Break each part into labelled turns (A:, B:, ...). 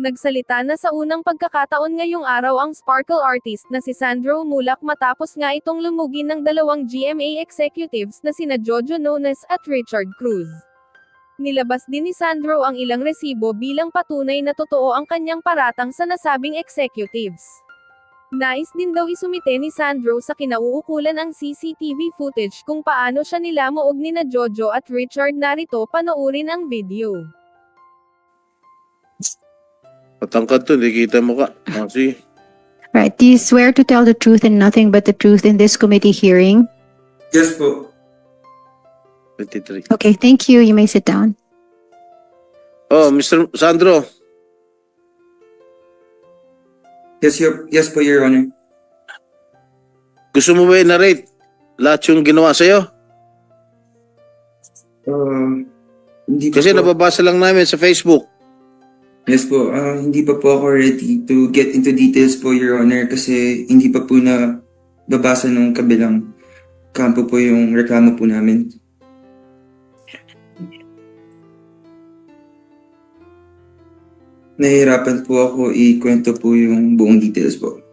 A: Nagsalita na sa unang pagkakataon ngayong araw ang sparkle artist na si Sandro Mulak matapos nga itong lumugin ng dalawang GMA executives na sina Jojo Nones at Richard Cruz. Nilabas din ni Sandro ang ilang resibo bilang patunay na totoo ang kanyang paratang sa nasabing executives. Nais din daw isumite ni Sandro sa kinauukulan ang CCTV footage kung paano siya nilamuog nina Jojo at Richard. Narito, panoorin ang video.
B: Patangkad to, hindi kita mo ka. Sige.
C: Right. Do you swear to tell the truth and nothing but the truth in this committee hearing?
D: Yes po.
B: 23.
C: Okay, thank you. You may sit down.
B: Oh, Mr. Sandro.
D: Yes po, Your Honor.
B: Gusto mo ba i-narrate lahat yung ginawa sa'yo?
D: Hindi pa
B: Kasi
D: po.
B: nababasa lang namin sa Facebook.
D: Yes po. Hindi pa po ako ready to get into details po, Your Honor, kasi hindi pa po na babasa ng kabilang kampo po yung reklamo po namin. Nahihirapan po ako ikwento po yung buong details po.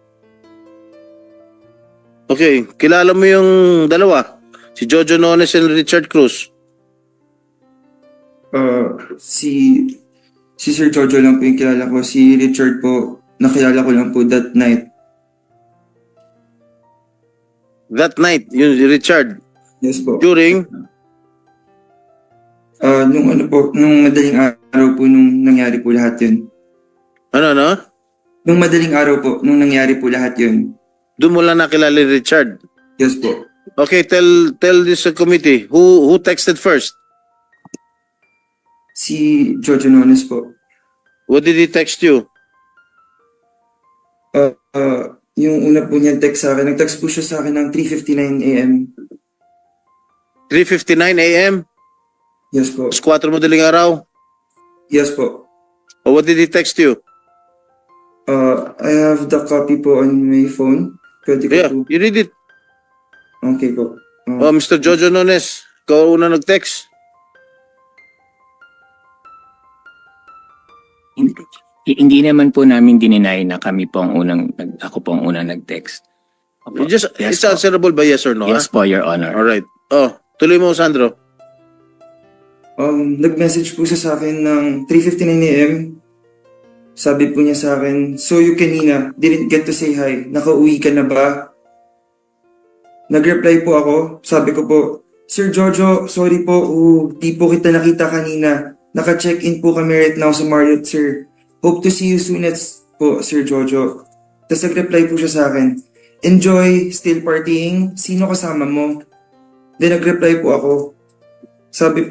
B: Okay, kilala mo yung dalawa? Si Jojo Nones and Richard Cruz.
D: Si Sir Jojo lang po yung kilala ko. Si Richard po, nakilala ko lang po that night.
B: That night, yun si Richard.
D: Yes po.
B: During,
D: Nung madaling araw po nung nangyari po lahat yun.
B: ano?
D: Nung madaling araw po nung nangyari po lahat yun.
B: Doon mo lang nakilala ni Richard.
D: Yes po.
B: Okay, tell this committee, who texted first?
D: Si Jojo Nones po.
B: What did he text you?
D: Yung una po niyang text sa akin, nag-text po siya sa akin ng 3:59 AM.
B: 3:59 a.m.?
D: Yes po.
B: 4 madaling araw?
D: Yes po.
B: Or what did he text you?
D: I have the copy po on my phone. Pwede ko
B: Yeah,
D: po.
B: you read it.
D: Okay po.
B: Oh, Mr. Jojo Nones, ikaw una nag-text.
E: Hindi naman po namin dininay na ako po ang unang nag-text. Opo.
B: It's
E: Yes po.
B: answerable by yes or no,
E: Yes po, Your Honor.
B: Alright. Oh, tuloy mo, Sandro.
D: Nag-message po siya sa akin ng 3:59 AM. Sabi po niya sa akin, "So you kanina, didn't get to say hi. Nakauwi ka na ba?" Nag-reply po ako. Sabi ko po, "Sir Jojo, sorry po. Di po kita nakita kanina. Naka-check-in po kami right now sa Marriott, sir. Hope to see you soon po, Sir Jojo." Tapos nag-reply po siya sa akin, "Enjoy, still partying? Sino kasama mo?" Then nag-reply po ako. Sabi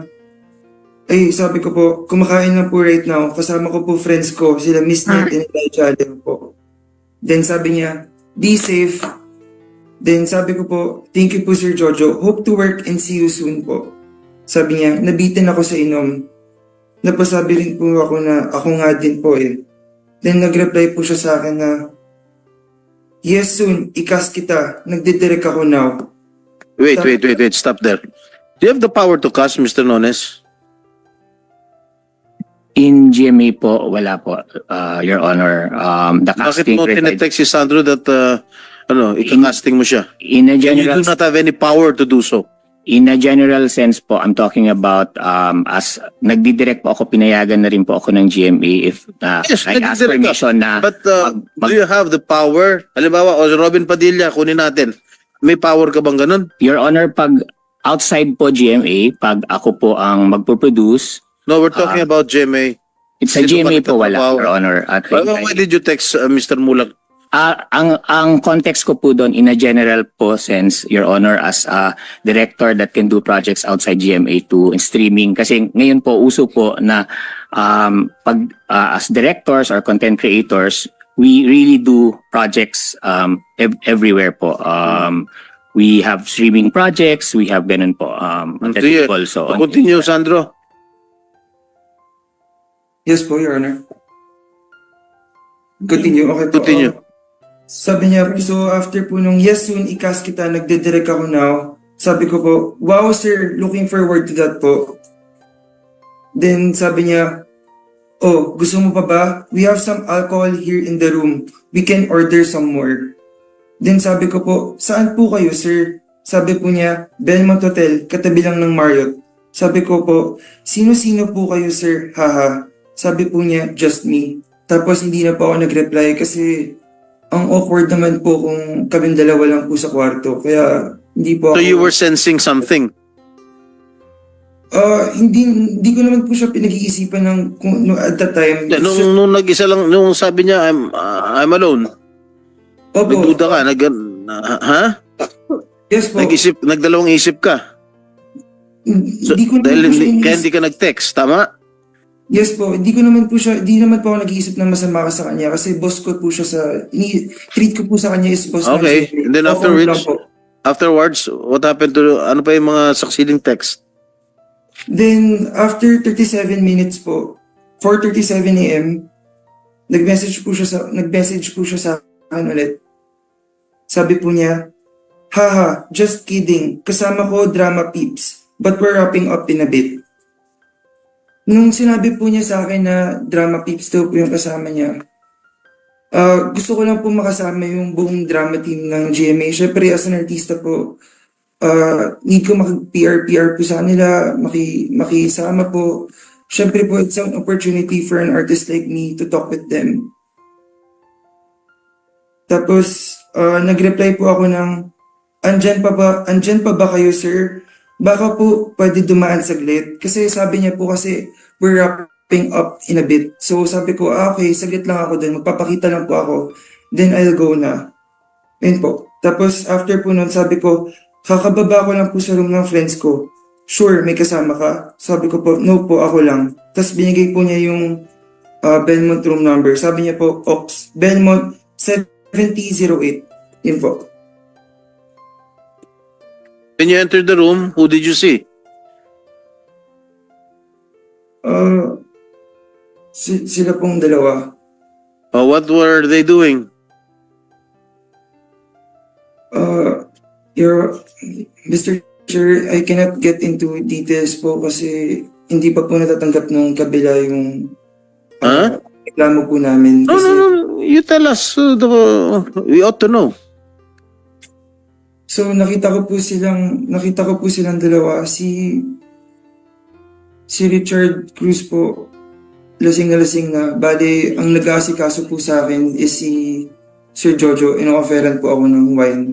D: ko po, "Kumakain na po right now. Kasama ko po friends ko, sila Miss Net and Elijah Allen po." Then sabi niya, "Be safe." Then sabi ko po, "Thank you po, Sir Jojo. Hope to work and see you soon po." Sabi niya, "Nabitin ako sa inom." Napasabi rin po ako na ako nga din po eh. Then nag-reply po siya sa akin na, "Yes, soon. Ikas kita. Nagdidirect ako now."
B: Wait. Stop there. Do you have the power to cast, Mr. Nones?
E: In GMA po, wala po, Your Honor. The
B: Bakit
E: casting
B: mo
E: resides
B: tinetext si Sandro that, ika-casting mo siya?
E: in a
B: And you
E: general
B: do not have any power to do so.
E: in a general sense po. I'm talking about as nagdidirect po ako, pinayagan na rin po ako ng GMA if
B: Yes,
E: I ask
B: nagdidirect ka.
E: permission na
B: But
E: mag-
B: do you have the power? Halimbawa, o Robin Padilla, kunin natin. May power ka bang ganun?
E: Your Honor, pag outside po GMA, pag ako po ang magpo-produce,
B: No, we're talking about GMA.
E: it's sa
B: Sino ba
E: GMA po wala,
B: nagtatrabaho?
E: Your Honor. At
B: Why did you text Mr. Mulak?
E: ang context ko po doon in a general po sense, Your Honor, as a director that can do projects outside GMA to streaming. Kasi ngayon po, uso po na as directors or content creators, we really do projects everywhere po. We have streaming projects, we have ganun po.
B: Sige.
E: Also.
B: Continue, Sandro.
D: Yes po, Your Honor. Continue. Okay po.
B: Continue.
D: Sabi niya, so after po nung yes soon, ikas kita, nagdidirect ako now. Sabi ko po, "Wow sir, looking forward to that po." Then sabi niya, Oh, gusto mo pa ba? We have some alcohol here in the room. We can order some more. Then sabi ko po, saan po kayo, sir? Sabi po niya, Belmont Hotel, katabi lang ng Marriott. Sabi ko po, sino-sino po kayo, sir? Haha. Sabi po niya, just me. Tapos hindi na po ako nag-reply kasi ang awkward naman po kung kaming dalawa lang po sa kwarto. Kaya hindi po
B: So
D: ako...
B: you were sensing something.
D: Hindi ko naman po siya pinag-iisipan ng at that time.
B: Nung nag-isa lang, nung sabi niya, I'm alone.
D: Opo.
B: Nagduda ka, ha?
D: Yes po.
B: Nagdalawang isip ka. So,
D: Hindi ko naman
B: dahil
D: po siya
B: kaya hindi ka nag-text, tama?
D: Yes po, hindi naman po ako nag-iisip ng masama ka sa kanya kasi boss ko po siya treat ko po sa kanya is boss
B: Okay,
D: man.
B: and then
D: Awkward lang po.
B: afterwards, what happened to, ano pa yung mga succeeding text?
D: Then, after 37 minutes po, 4:37 a.m., nag-message po siya sa akin ulit. Sabi po niya, haha, just kidding, kasama ko drama peeps, but we're wrapping up in a bit. Nung sinabi po niya sa akin na drama peeps daw po yung kasama niya, gusto ko lang po makasama yung buong drama team ng GMA. Syempre, as an artista po, need ko makipr po sa kanila, makisama po. Syempre po, it's an opportunity for an artist like me to talk with them. Tapos, nag-reply po ako ng, andyan pa ba kayo, sir? Baka po pwede dumaan saglit. Kasi sabi niya po kasi, we're wrapping up in a bit. So sabi ko, okay, saglit lang ako dun. Magpapakita lang po ako. Then I'll go na. Yun po. Tapos after po nun, sabi ko, kakababa ko lang po sa room ng friends ko. Sure, may kasama ka? Sabi ko po, no po, ako lang. Tapos binigay po niya yung Belmont room number. Sabi niya po, Ops, Belmont 7008. Yun po.
B: When you entered the room, who did you see?
D: Sila pong dalawa.
B: What were they doing?
D: Mr. Chair, I cannot get into details po kasi hindi pa po natatanggap ng kabila yung reklamo po namin.
B: No,
D: Kasi,
B: no, no. You tell us. We ought to know.
D: So nakita ko po silang dalawa. Si Richard Cruz po, lasing na. Bale, ang nag-aasikaso po sa akin is si Sir Jojo. Ino-offeran po ako ng wine.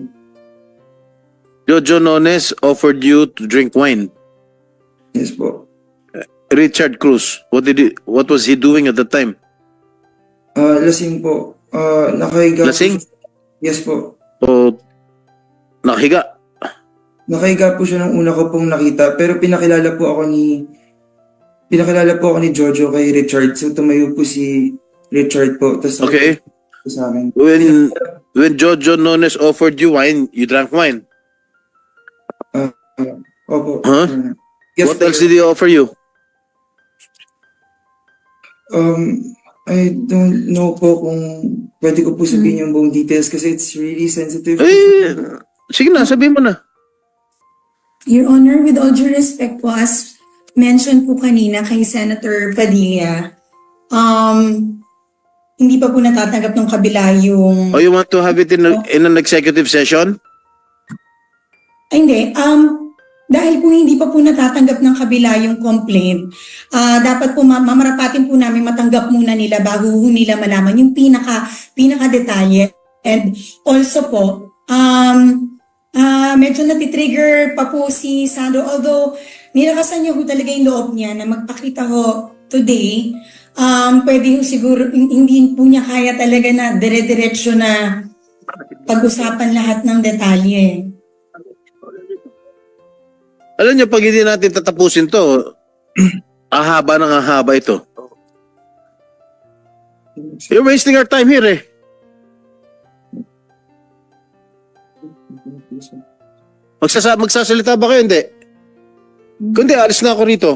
B: Jojo Nones offered you to drink wine.
D: Yes po.
B: Richard Cruz, what was he doing at the time?
D: Lasing po. Nakahiga
B: Lasing?
D: po. Yes po.
B: O nakahiga?
D: Nakahiga po siya nung una ko pong nakita. Pero pinakilala po ako ni Jojo kay Richard. So tumayo po si Richard po. Tas
B: Okay.
D: sa akin.
B: When Jojo Nones offered you wine, you drank wine.
D: Opo.
B: Huh?
D: Yes,
B: What else did he offer you?
D: I don't know po kung pwede ko po sabihin yung buong details kasi it's really sensitive.
B: Sige na, sabihin mo na.
F: Your Honor, with all due respect po, as mentioned po kanina kay Senator Padilla, hindi pa po natatanggap ng kabila yung...
B: Oh, you want to have it in an executive session?
F: Ay, hindi. Dahil po hindi pa po natatanggap ng kabila yung complaint, dapat po mamarapatin po namin matanggap muna nila bago nila malaman yung pinaka-detalye. And also po, medyo natitrigger pa po si Sandro, although nilakasan niya po talaga yung loob niya na magpakita ho today, pwede ho siguro, hindi po niya kaya talaga na dire-diretso na pag-usapan lahat ng detalye.
B: Alam niyo, pag hindi natin tatapusin to, ahaba ng ahaba ito. You're wasting our time here eh. Magsasalita ba kayo? Hindi. Kundi, alis na ako rito.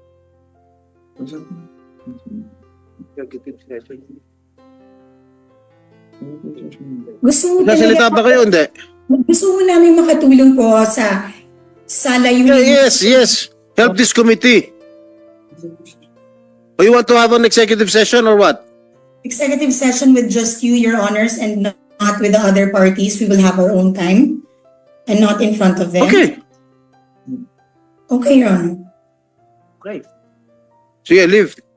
B: Magsasalita ba kayo? Hindi.
F: Gusto mo namin makatulong po sa layunin.
B: Yes. Help this committee. Or you want to have an executive session or what?
F: Executive session with just you, Your Honors, and not with the other parties. We will have our own time and not in front of them.
B: Okay.
F: Okay, Your Honor.
B: Sige, leave.